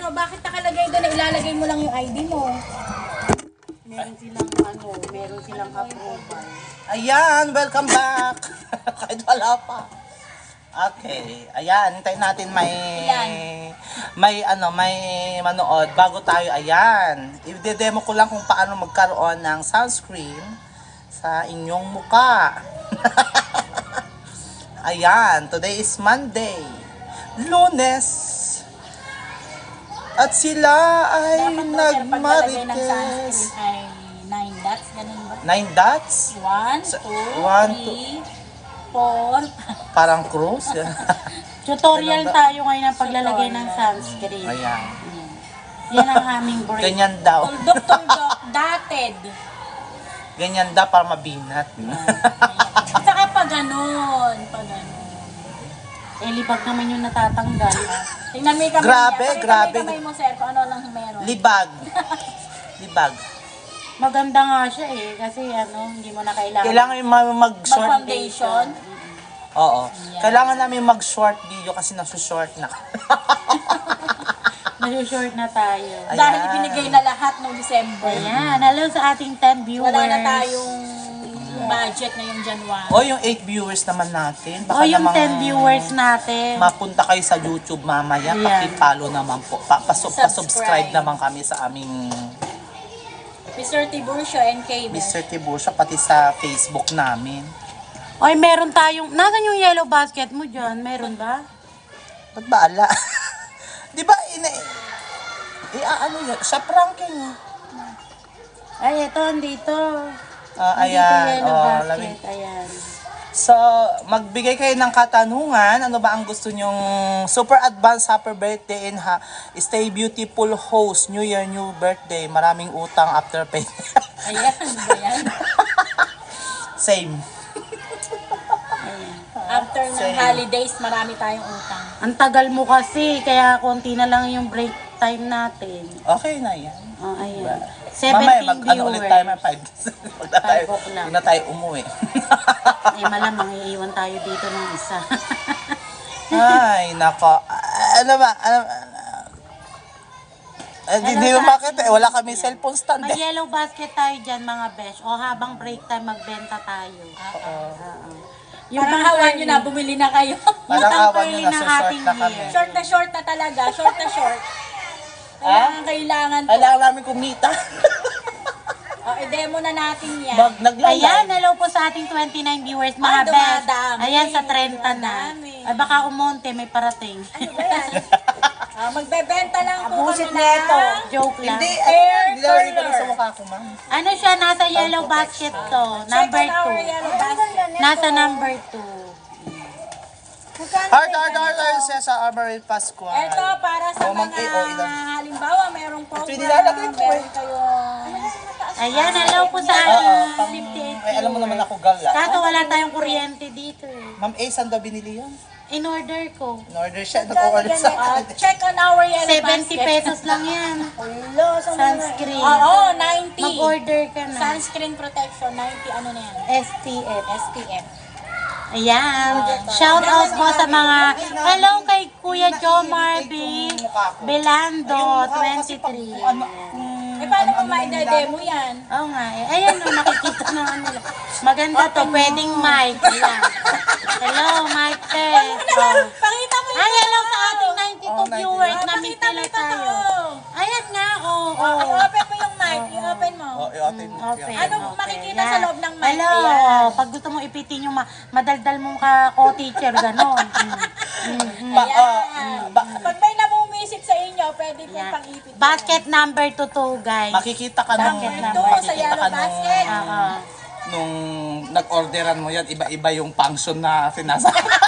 ano, bakit nakalagay doon na ilalagay mo lang yung ID mo? Meron silang approval. Ayan, welcome back. Kahit wala pa. Okay, ayan, hintayin natin may manood bago tayo. Ayan, i-demo ko lang kung paano magkaroon ng sunscreen sa inyong muka. Ayan, today is Monday, Lunes, at sila ay Dapat daw, sir, paglalagay ng nagmarites. sunscreen ay 9 dots, ganun ba? 9 dots? 1, 2, 3, 4. Parang cruise. Tutorial tayo ngayon ng paglalagay ng sunscreen. Ayan. Yan ang aming break. Ganyan daw. Tuldok, dotted. Ganyan daw para mabinat. At saka pa ganun. Eh, libag naman yung natatanggal. Tingnan mo yung kamay Grabe, niya. grabe. Pakita mo yung kamay mo, sir, kung ano lang meron. Libag. Libag. Maganda nga siya eh, kasi hindi mo na kailangan. Kailangan yung mag-short. Mag-foundation. Oo. Kailangan namin mag-short video kasi nasu-short na. Nasushort na tayo. Ayan. Dahil ibinigay na lahat noong December. Ayan, hello sa ating 10 viewers. Wala na tayong budget ngayong January. O yung 8 viewers naman natin. O yung 10 viewers natin. Mapunta kayo sa YouTube mamaya. Ayan. Paki-follow naman po. Pa-subscribe naman kami sa aming Mr. Tiburcio and Kay Mr. Tiburcio, pati sa Facebook namin. Oy, meron tayong, nasan yung yellow basket mo dyan? Meron ba? Ba't ba ala? Di ba, ano yun? Sa pranking. Ay, ito, andito. Ayan. Andito yellow basket, lamig. ayan. So, magbigay kayo ng katanungan. Ano ba ang gusto nyong super advanced happy birthday and stay beautiful host, New Year, new birthday. Maraming utang after pay. Ayan, ayan. Same. After ng holidays, marami tayong utang. Ang tagal mo kasi, kaya konti na lang yung break time natin. Okay na yan. Oh, ayan. Mamaya, 17 ano ulit tayo, may viewers. 5. Huwag 5 o'clock. na tayo umuwi. Eh, malamang iiwan tayo dito ng isa. Ay, nako. Ano ba? Hindi mo makita eh. Wala kami cellphone stand May eh. yellow basket tayo dyan, mga besh. O habang break time, magbenta tayo. Parang hawa nyo na, bumili na kayo. Parang Yung awan nyo pang-early na, ng short ating na kami. year. Short na talaga. Short na short. Kailangan po. Kailangan namin kumita. I-demo na natin yan. Ayan, hello po sa ating 29 viewers, mga Ay, besh. dumadami. Ayan, sa 30 na. Dumadami. Ay, baka umonte, may parating. Ano ba yan? Magbebenta lang po Abusit kami neto. ng Joke lang. Hindi, Hair nilalagay ko rin curler. sa mukha ko, ma'am. Ano siya, nasa yellow basket to. Number Check out our 2. yellow basket. Nasa number 2. Heart, sa Armory Pascual. Ito para sa O, mga ilan? halimbawa merong program, Ito, nilalagay ko meron eh. kayong Ayan, hello po sa Oo, ating 58 ay, alam mo naman ako gala. Kaso wala tayong kuryente dito eh. Ma'am A, saan daw binili yun? In order ko. In-order siya, nag-order sa akin. check on our yellow 70 basket. pesos lang yan. Sunscreen. Oo, 90. Mag-order ka na. Sunscreen protection, 90 ano na yan? SPF. SPF. Ayan. Shout out po sa mga, hello kay Kuya Joe Marby Belando, 23. Paano mo ma-demo yan? Oo nga eh. Ayan o, nakikita naman nila. Maganda to, pwedeng mic. Ayan. Hello, mic test. Oh. Pakita mo Ay, hello sa ating 92 viewers. Pakita Na-meet mo nila ito. tayo. Ayan nga, oo. I-open mo yung mic. I-open mo. i-open mo. Okay. Ano makikita sa loob ng mic? Hello. Ayan. Pag gusto mong ipitin yung madaldal mong ka-co-teacher, gano'n. Ayan. Pag may namumisit sa inyo, pwede po Ayan. pang-ipit. Basket number 2 to, guys. Makikita ka nung, Bakit Ito, sa yellow basket. nung nag-orderan mo yan, iba-iba yung function na sinasa.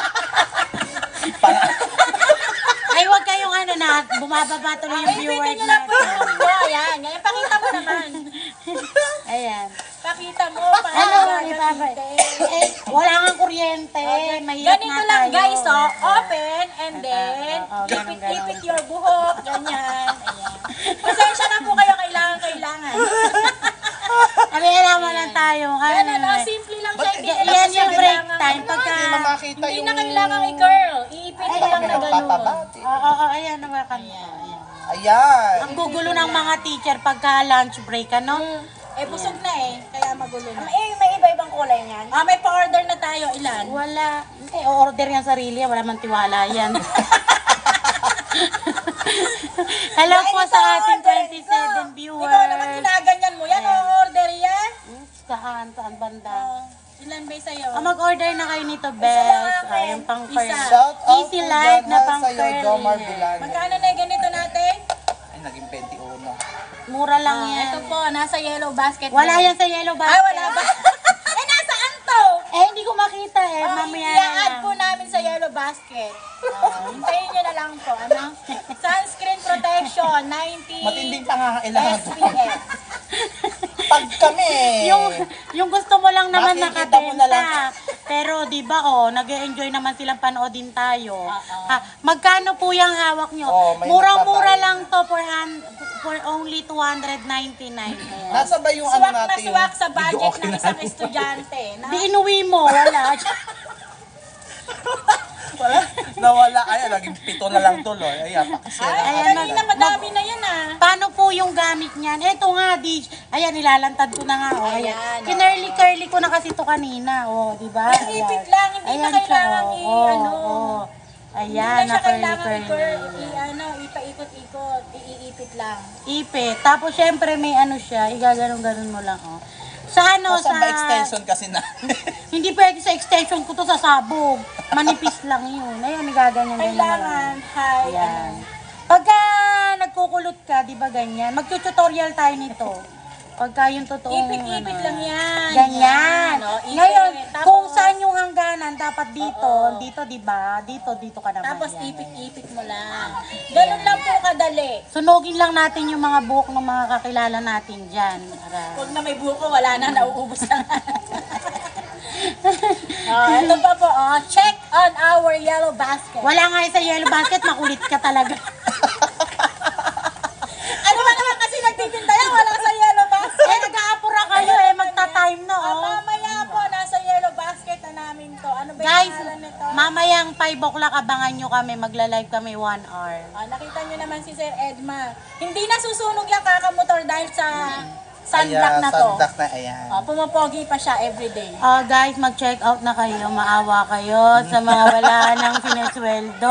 Ay, wag kayong bumababa tuloy yung viewers Ipitin nyo lang po natin. yung video. Ayan. Ngayon, pakita mo naman. Ayan. Pakita mo. Ano, wala kang kuryente. Mahirap Ganito na lang tayo. guys, oh. Open and then ganun, ipit-ipit your buhok. Ganyan. Ayan. Pasensya na po kayo. Kailangan. Sabi, alam mo lang tayo. Ganun, oh. Simple lang siya. Hindi na Yan yung break kailangan- time. Pagka... Hindi mo makita Hindi yung... na kailangan i-curl. Iipit Ay, mo lang na ganun. Nagpapabati. Oo, ayan naman kami. Ayan. Ayan. Ang gugulo ng mga teacher pagka lunch break, ano? Eh, busog na eh. Kaya magulo na. May iba-ibang kulay niyan. May pa-order na tayo. Ilan? Wala. Order yan sarili, wala man tiwala yan. Hello po sa ating 27 viewers. Ikaw naman ginaganyan mo yan. O-order yan. Saan banda? Ilan ba sa'yo? Mag-order na kayo nito, Bes. Yung pang curly. Isa. Shout out Easy po life dyan na pang sa'yo, Jomar curly. Bilano. Magkano na yung ganito natin? Ay, naging 21. Mura lang yan. Ito po, nasa yellow basket. Wala na. yan sa yellow Ay, basket. wala ba? Nasaan to? Hindi ko makita eh. Mamaya na I-add lang. po namin sa yellow basket. Hintayin nyo na lang po. Ano? Sunscreen protection, 90 Matinding pangangailangan to. SPF. Pag kami. Yung gusto mo lang naman Makikita mo na lang. nakabenta. Pero di ba nag-enjoy naman silang panoodin tayo. Oo. Magkano po yung hawak nyo? May Murang-mura nagbabayad. lang to for only 299. Ayan. Nasa ba yung Swak ano na natin? swak sa budget Video okay ng na. isang estudyante. Na, Di inuwi mo, wala. Wala. Nawala. Ayan, naging 7 na lang tuloy. Ayan, pakisya na. Ayan, kanina madami na yan Paano po yung gamit niyan? Eto nga, ayan, nilalantad ko na nga. Ayan. Ayan, Kinurly-curly ko na kasi to kanina. Di ba? Ay, ipit lang, hindi na kailangan Ayan, Hindi na siya kailangan curly. ipaikot-ikot, iipit lang. Ipit. Tapos, syempre, may ano siya. Igaganon-ganon mo lang, Sa ano, Nasa ba extension kasi na? Hindi pwede sa extension ko to sa sabog. Manipis lang yun. Ayun, igaganyan-ganyan. Kailangan, high, Yan. Pagka nagkukulot ka, di ba ganyan? Mag-tutorial tayo nito. Pagka yung totoong ipit-ipit lang yan. Ganyan. Ipit. Ngayon, Tapos, kung saan yung hangganan, dapat dito, di ba? Dito ka naman. Tapos yan. ipit-ipit mo lang. Ganun lang po kadali. Sunogin lang natin yung mga buhok ng mga kakilala natin dyan. Huwag na may buko, wala na, nauubos na. Ito pa po, check on our yellow basket. Wala nga yung sa yellow basket, makulit ka talaga. Ano ba naman kasi nagtitinda yan, wala sa yellow basket. Nag-aapura kayo magta-time na Mamaya po, nasa yellow basket na namin to. Ano ba yung Guys, pangalan nito? mamayang 5 o'clock abangan nyo kami, magla-live kami 1 hour. Nakita nyo naman si Sir Edma. Hindi na susunog yung kakamotor dahil sa sunblock na to. Sunblock na, ayan. Pumapogi pa siya everyday. Guys, mag-check out na kayo, maawa kayo sa mga wala nang sinesweldo.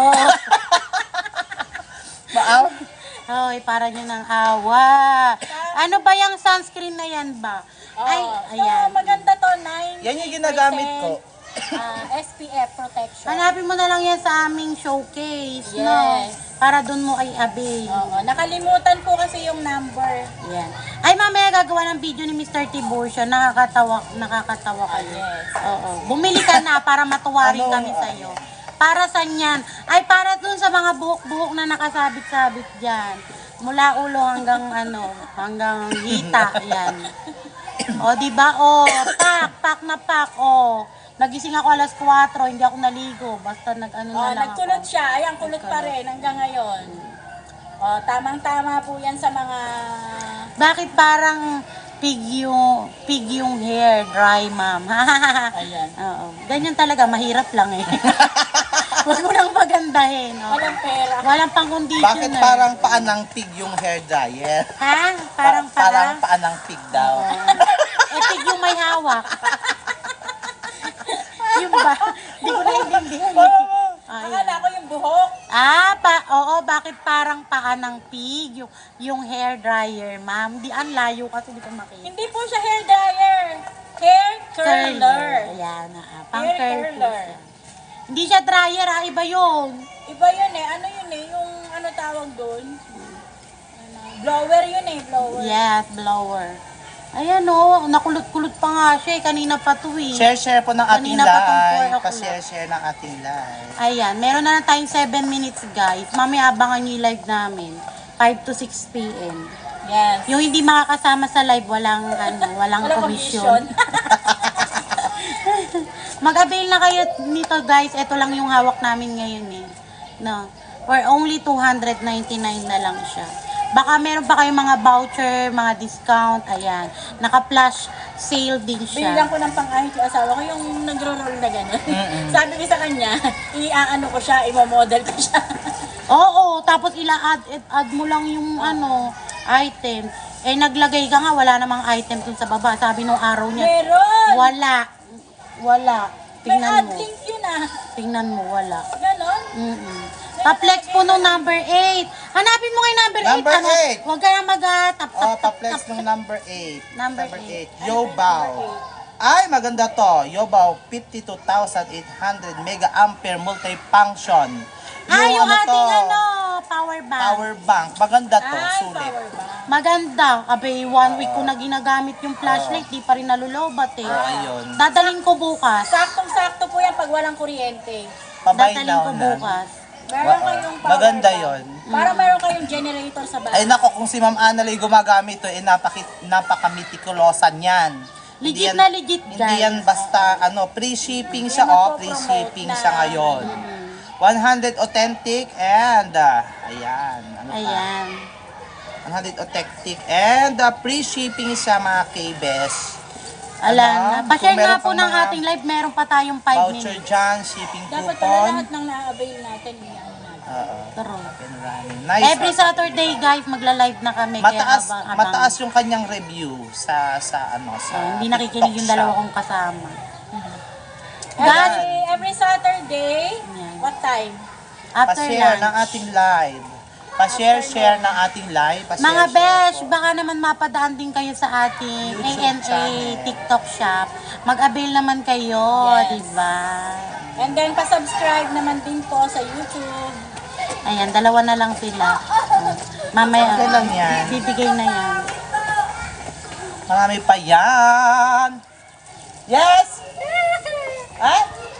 Maaw? Hoy, para nyo ng awa. Ano ba yung sunscreen na yan ba? Ay, ayan. Maganda to, 9 Yan yung ginagamit ko. SPF protection. Hanapin mo na lang yan sa aming showcase, no? Yes. Para dun mo ay avail. Nakalimutan po kasi yung number. Yan. Ay, mamaya gagawa ng video ni Mr. Tiburcio. Nakakatawa kayo. Yes. Oo. Bumili ka na para matuwa rin kami sa'yo. Para sa yan? Ay, para dun sa mga buhok-buhok na nakasabit-sabit dyan. Mula ulo hanggang hanggang hita. Yan. O, diba? O, pak na pak. O, nagising ako alas 4, hindi ako naligo. Basta na lang Nagkulot ako. siya. Ayan, kulot pa rin hanggang ngayon. Tamang-tama po yan sa mga... Bakit parang pig yung hair, dry, ma'am? Ayan. Oo. Ganyan talaga, mahirap lang eh. Huwag mo nang pagandahin. Walang pera. Walang pang conditioner. Bakit parang paan ng pig yung hair dryer? Ha? Parang Parang paan ng pig daw. pig yung may hawak. Yung ba? Hindi ko naiintindihan. Akala ko yung buhok. Oo, bakit parang paa ng pig? Yung hair dryer, ma'am. Ang layo kasi di ko makita. Hindi po siya hair dryer. Hair curler. Ayan, pang Hair curler. curler. Hindi siya dryer, iba yun. Iba yun eh. Ano yun eh? Yung ano tawag doon? Blower yun eh. Blower. Yes, blower. Ayan nakulot-kulot pa nga siya kanina pa to eh. Share po ng ating Kanina pa tong 4 live. o'clock. Pa-share ng ating live. Ayan, meron na tayong 7 minutes guys. Mamaya abangan nyo yung live namin. 5 to 6 p.m. Yes. Yung hindi makakasama sa live, walang Walang commission. Mag-avail na kayo nito guys. Ito lang yung hawak namin ngayon eh. No. For only 299 na lang siya. Baka meron pa kayong mga voucher, mga discount, ayan. Naka-flash sale din siya. Binigyan ko ng pang-ahit yung asawa ko yung nagro-roll na gano'n. Sabi ko sa kanya, i-ano ko siya, i-model ko siya. Oo, tapos add mo lang yung item. Eh, naglagay ka nga, wala namang item dun sa baba. Sabi nung araw niya, Meron! wala. May Tingnan ad mo. link yun ah. Tingnan mo, wala. Ganon? Mm-mm. Pa-flex po nung number 8. Hanapin mo kay number 8. Number 8. Huwag ka na mag-tap. Pa-flex ng number 8. Number 8. Yobaw. Ay, maganda to. Yobaw, 52,800 mega ampere multifunction. Yung ating power bank. Power bank. Maganda to. Ay, Sulit. power bank. Maganda. Abay, 1 week ko na ginagamit yung flashlight. Di pa rin nalulobat eh. Ayun. Dadaling ko bukas. Saktong-sakto po yan pag walang kuryente. Pabay Dadaling ko na. bukas. Meron kayong power Maganda bank. yon. Para meron kayong generator sa bahay. Ay nako, kung si Ma'am Annalyn gumagamit to, napaka-mitikulosan yan. Hindi Legit yan- na legit, Hindi guys. yan basta, free-shipping siya, free-shipping na. siya ngayon. 100 authentic and, ayan, ano pa? Ayan. 100 authentic and free shipping siya mga K-Bes. Alam na. Kung Pa-share meron nga po pang ng mga ating live. Meron pa tayong 5 Voucher minutes. dyan, shipping Dapat pala coupon. lahat ng na-avail natin, i-ano natin. Oo, True. up and running. Nice. Every Saturday, guys, magla-live na kami. Mataas, kaya abang-abang. mataas yung kanyang review sa Hindi nakikinig yung TikTok dalawa shop. kong kasama. Guys, Every Saturday, Yan. what time? after Pa-share ng lunch. ating live. Pa-share ng ating live. Pa-share, Mga share besh, po. baka naman mapadaan din kayo sa ating YouTube ANA channel. TikTok shop. Mag-avail naman kayo, Yes. diba? And then, pa-subscribe naman din po sa YouTube. Ayan, dalawa na lang sila. Mamaya, Okay lang yan. bibigay na yan. Marami pa yan. Yes! Ha?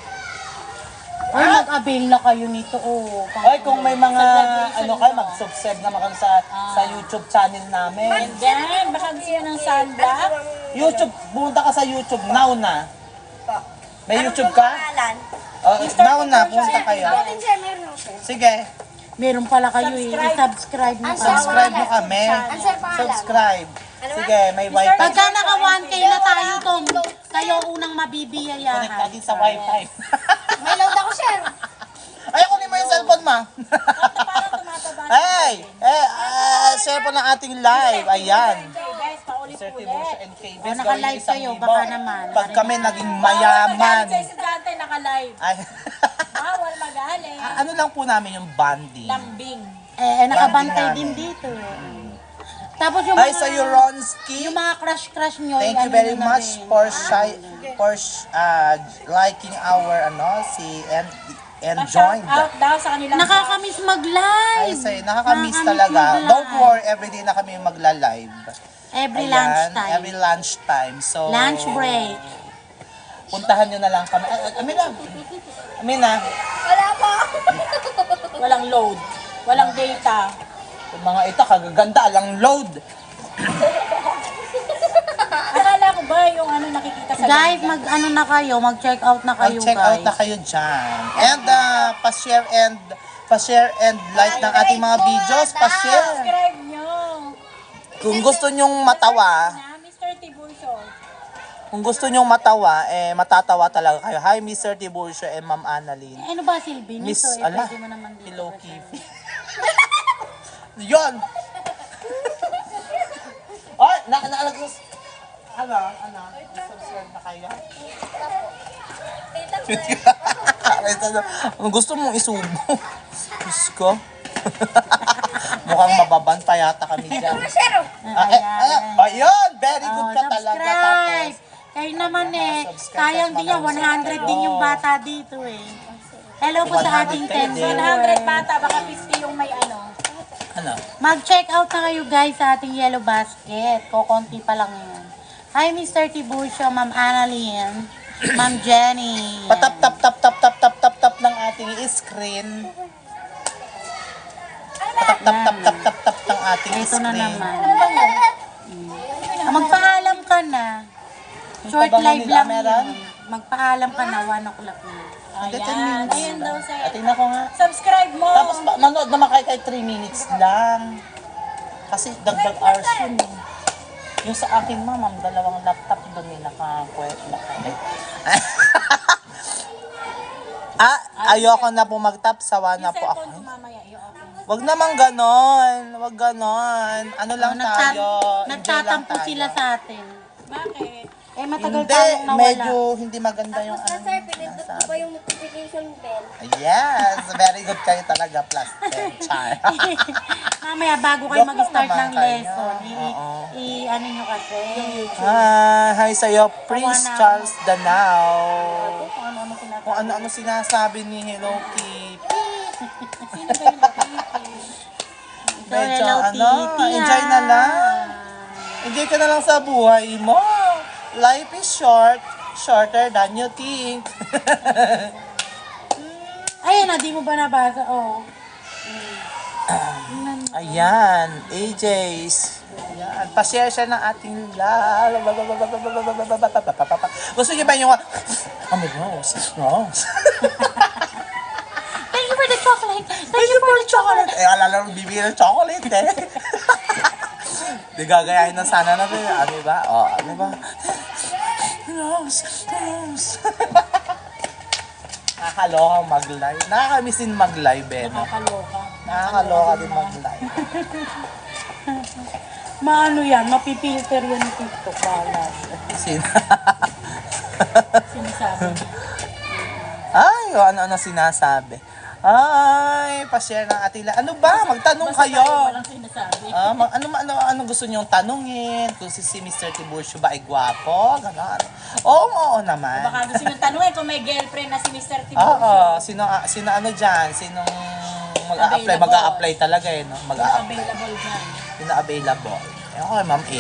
Or mag-avail na kayo nito, Hoy, kung may mga graduation kayo, mo. mag-subscribe naman kayo sa YouTube channel namin. And then, baka gusto nyo ng sunblock. YouTube, pumunta ka sa YouTube now na. May YouTube ka? Now na, pumunta kayo. Sige, Meron pala kayo i-subscribe mo pa. subscribe mo kami. Subscribe. Sige, may wifi. Pagka naka 1K na tayo, Tom, kayo unang Connect mabibiyayahan. lagi sa wifi. May load ako, sir. Ay, kunin mo yung cellphone, ma. Parang tumataba. Hey! Cellphone ng ating live. Ayan. Okay, guys, Sir paulit-ulit. Tiburcio and KB. O, naka-live kayo, baka naman. Pag kami naging Mayaman. mayaman. Sa estudyante, naka-live. Ay, Bawal magaling. ano lang po namin yung banding. Lambing. Nakabantay Banding din dito. Tapos yung Ay, mga, sa Ronski. yung mga crush nyo, Thank you ano very nyo na much rin. for liking our and join. Shout out daw sa kanilang Nakakamiss Ay, mag-live. say, nakakamiss Nakakamiss talaga. mag-live. Don't worry, everyday na kami magla-live. Every Ayan, lunchtime. Every lunchtime. So, Lunch break. puntahan nyo na lang kami. Amina. Amina. Wala po. walang load. Walang data. Yung mga ito, kagaganda, lang load. Akala ko ba yung ano nakikita sa Guys, ganda? mag-ano na kayo, mag-check out na kayo, Mag-check guys. out na kayo dyan. And pa-share and like ng ating mga videos. Pa-share. Subscribe nyo. Kung gusto nyong matawa, Na Mr. Tiburcio. kung gusto nyong matawa, matatawa talaga kayo. Hi, Mr. Tiburcio and Ma'am Annalyn. Ano ba, Silvi? Miss, Nito, ala, pwede mo naman dito. Hello, Kifi. Yun! Ay, naalagos. Ano? Subscribe na kayo? Ang gusto mong isubo. Diyos ko. Mukhang mababan pa yata kami dyan. Ayun! Very good ka talaga. Subscribe! Tapos, Kayo naman subscribe sayang at din yan, 100 din yung bata dito Hello po sa 100 ating kayo 10 din. 100 bata, baka 50 yung may ano. ano? Mag-check out na kayo guys sa ating Yellow Basket. Kokonti pa lang yan. Hi Mr. Tiburcio, Ma'am Annalyn, Ma'am Jenny. Patap-tap-tap-tap-tap-tap-tap ng ating screen. Patap-tap-tap-tap-tap-tap ng ating Ito na screen. naman. Magpaalam ka na. Short Tabangan live ni lang Ameran? yun. Magpaalam ka na, 1 o'clock na. Hindi, 10 Ayan, minutes ayan daw lang. sa Tingnan ko nga. Subscribe mo. Tapos manood naman kayo kay 3 minutes lang. Kasi dagdag hours yun eh. Yung sa akin ma'am, dalawang laptop doon eh, naka-kwet. Ayoko na po mag-tap, sawa na yung po ako. cellphone ko mamaya, i-off. Wag naman ganon. Wag ganon. Ano lang tayo. Enjoy lang Nagtatampo tayo. sila sa atin. Bakit? Eh, matagal Hindi, tayong nawala. medyo hindi maganda yung Tapos na sir, pinindot ko ba yung notification bell? Yes, very good kayo talaga, plus 10. Char. Mamaya, bago kayo Joke lang mag-start naman ng kayo. lesson, Oo. ano nyo kasi, yung YouTube. Hi sa'yo, Prince Tawa na Charles Danao. Kung ano-ano sinasabi. Kung ano-ano sinasabi ni Hello Kitty. Sino ba yung nakikita? So, Medyo hello, ano, Titi, enjoy na lang. Enjoy ka na lang sa buhay mo. Life is short, shorter than you think. Ayun na, di mo ba nabasa? Oo. Ayan, AJ's. Ayan, pa-share siya ng ating love. Gusto niyo ba yung... Oh my gosh. Thank you for the chocolate. Thank you for the chocolate. Eh, alala mo, bibili ng chocolate eh. Di gagayahin na sana natin. Ano ba? O, ano ba? Rose. Nakakaloka mag-live. Nakakamiss din mag-live eh. No? Nakakaloka. Nakakaloka din mag-live. Maano yan, mapipilter yan ni TikTok. Balas. Sinasabi niya. Ay, o ano-ano sinasabi. Ay, pa-share ng ating Ano ba? Magtanong Basta kayo. tayo walang sinasabi. Ano gusto niyong tanungin? Kung si Mr. Tiburcio ba ay gwapo? Ganon. Oo naman. Baka gusto nyo tanungin kung may girlfriend na si Mr. Oo. Tiburcio. Sino ano dyan? Sinong mag-a-apply? Available. Mag-a-apply talaga eh, no? Sino Mag-a-apply. available dyan? Sino available? Okay, ma'am A.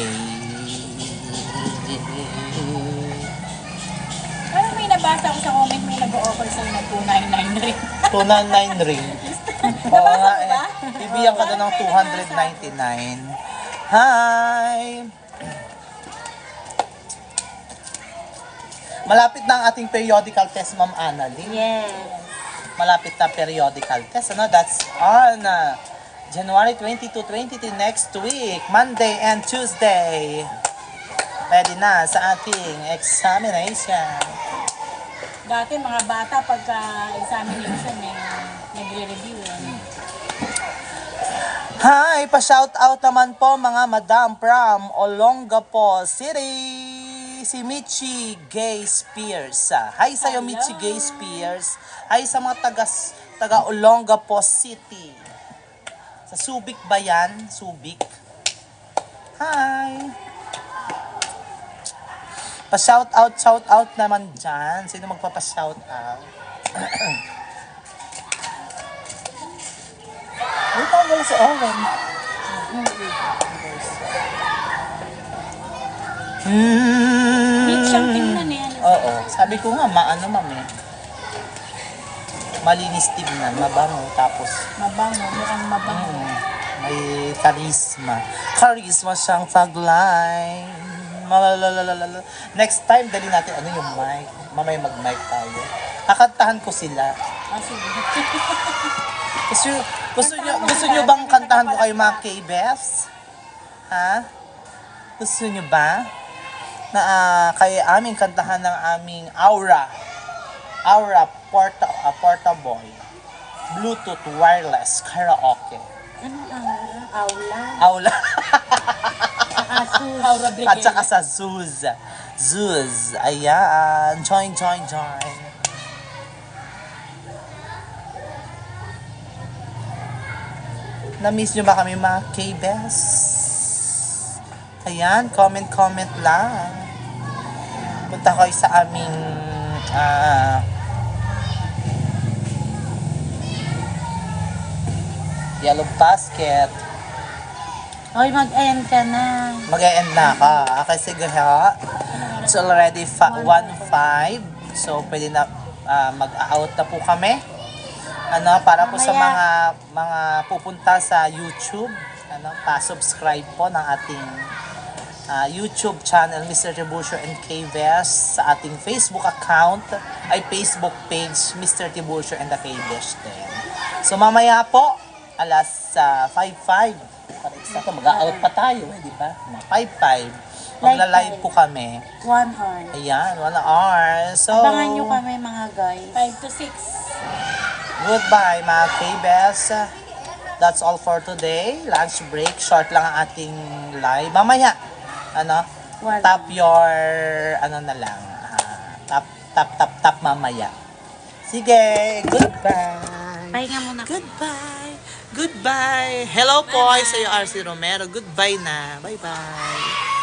Parang may nabasa ko sa comment, may nag-o-offer sa'yo ng 299 rin. 299 ring. Oo Nabasa nga mo ba? eh. Bibigyan ka doon ng 299. Hi! Malapit na ang ating periodical test, Ma'am Annalyn. Yes. Malapit na periodical test. Ano? That's on January 22, 23 next week. Monday and Tuesday. Ready na sa ating examination. Dati mga bata pagka-examination nagre-review. Hi! Pa-shout out naman po mga madam from Olongapo City. Si Michi Gay Spears. Hi sa'yo, Hello. Michi Gay Spears. Hi sa mga taga Olongapo City. Sa Subic ba yan? Subic. Hi! Pa-shout out naman dyan. Sino magpapa-shout out? Wait, ang wala si Owen. Neat siyang tingnan eh. Oo. Sabi ko nga, maano ma'am eh. Malinis tignan, mabango. Tapos, Mabango, mukhang mabango. may charisma. Charisma siyang tagline. Malalalala. Next time, dali natin ano yung mic. Mamaya mag-mic tayo. Kakantahan ko sila. Ah, sige. Gusto nyo bang kantahan ko kayo mga K-Befs? Ha? Gusto nyo ba? Na kayo aming kantahan ng aming Aura portable Bluetooth wireless karaoke. Ano ang aula? Aula. Asus. Aura At Brigade. saka sa Zuz. Ayan. Join. Na-miss nyo ba kami mga K-Bes? Ayan, comment lang. Punta kayo sa aming Yellow Basket. Hoy, mag-end ka na. Mag-e-end na ka. Okay, sige ha. It's already 1:05. So, pwede na mag-out na po kami. Para po sa mga pupunta sa YouTube, pa-subscribe po ng ating YouTube channel, Mr. Tiburcio and K-Bes, sa ating Facebook account, ay Facebook page, Mr. Tiburcio and the K-Bes din. So, mamaya po, alas 5:05, para eksakto, mag-out pa tayo, di ba? 5:05, magla-live po kami. 1 hour. Ayan, 1 hour. So, Abangan nyo kami mga guys. 5 to 6. goodbye mga K-Bes. That's all for today. Lunch break. Short lang ang ating live. Mamaya, Wala. tap your, na lang. Tap mamaya. Sige, goodbye. Pahinga muna. Goodbye. Goodbye. Hello po sa iyo, RC Romero. Goodbye na. Bye-bye.